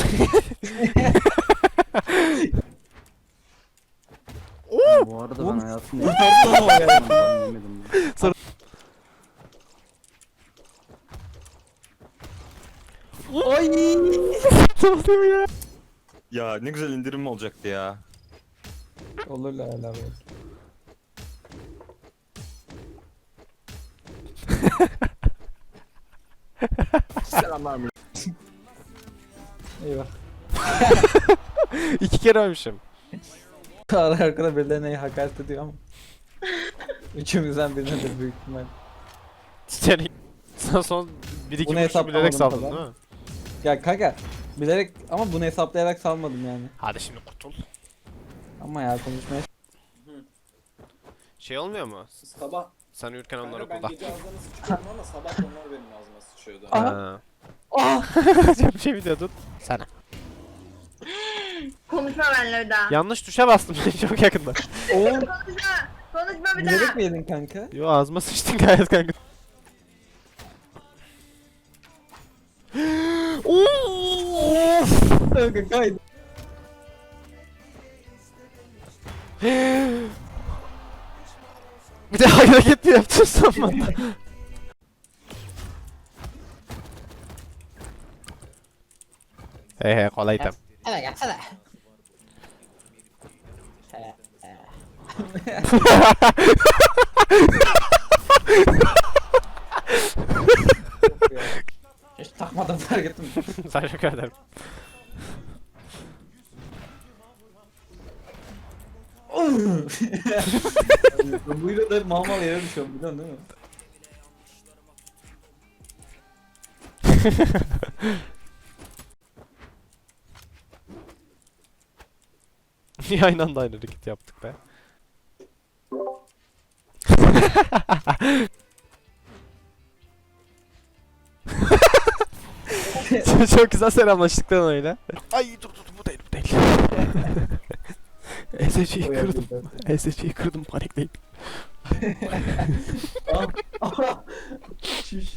Bu arada ben hayatımda Kurtardı lan o ya. yemedim. Ay. Ya ne güzel indirim olacaktı ya. Olur la la. Selamlar. Eyvah. 2 kere ölmüşüm. Arka arkada birilerine hakaret ediyor ama. Üçümüzden birinedir büyük ihtimal. Seni son 1-2 Bunu vuruşu bilerek hesaplamadım saldın falan. değil mi? Ya kanka bilerek ama bunu hesaplayarak salmadım yani. Hadi şimdi kurtul. Ama ya konuşmaya Şey olmuyor mu? Sabah Sen uyurken onlar kanka ben okulda. gece ağzına sıçıyordum ama sabah onlar benim ağzıma sıçıyordu. Ha. Ah! Bir şey mi diyordun? Sana. Konuşma benimle bir daha. Yanlış tuşa bastım çok yakında. Oğlum Konuşma. Konuşma bir bilerek daha. mi yedin kanka? Yo ağzıma sıçtın gayet kanka. Kanka kaydı. Bir de hareket mi yaptın sanma. He kolaydım. Hadi gelsene. Hiç takmadım fark ettim. Teşekkür ederim. Buyla da mal mal yere düşüyorum biliyorsun değil mi? Niye aynı anda aynı hareket yaptık be? Çok güzel selamlaştık lan öyle. Ay dur bu değil bu değil. SC'yi kırdım. SC'yi kırdım panikleyip. Şiş.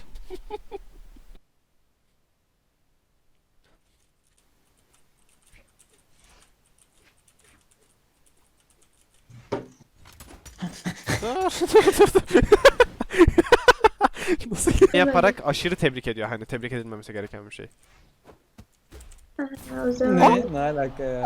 Nasıl yaparak aşırı tebrik ediyor hani tebrik edilmemesi gereken bir şey. O zaman. Ne alaka ya?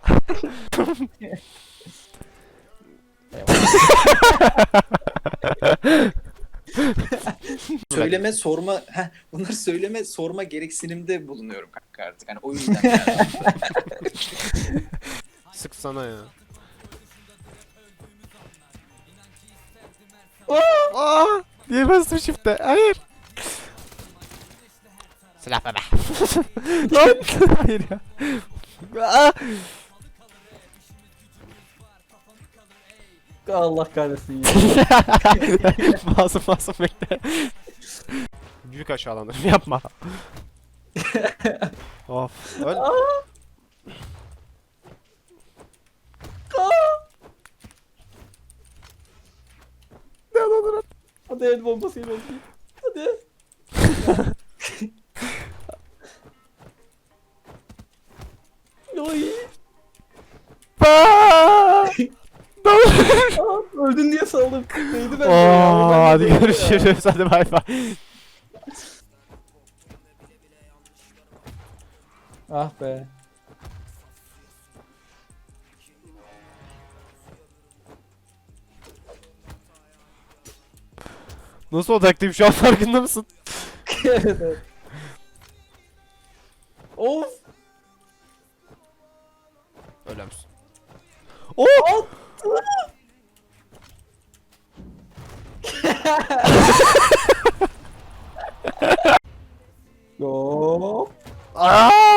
Söyleme sorma, bunlar söyleme sorma gereksinimde bulunuyorum kanka artık. Hani o yüzden yani. Sık sana ya. Aa! Niye bastım shift'e? Hayır. Silah bebe. Lan! Hayır ya. Aa! Allah kahretsin ya. Masum bekle. Büyük aşağılanırım yapma. Of. Öl. Ne olur. Hadi el bombasıyla öldüreyim. Hadi. Oy. Aa! Ne olur. Aa, öldün diye saldım. Neydi ben? Oo, hadi görüşürüz. Hadi bay bay. Ah be. Nasıl odaklıyım şu an farkında mısın? Evet. Of. Öyle misin? Oo! Yo. Aa!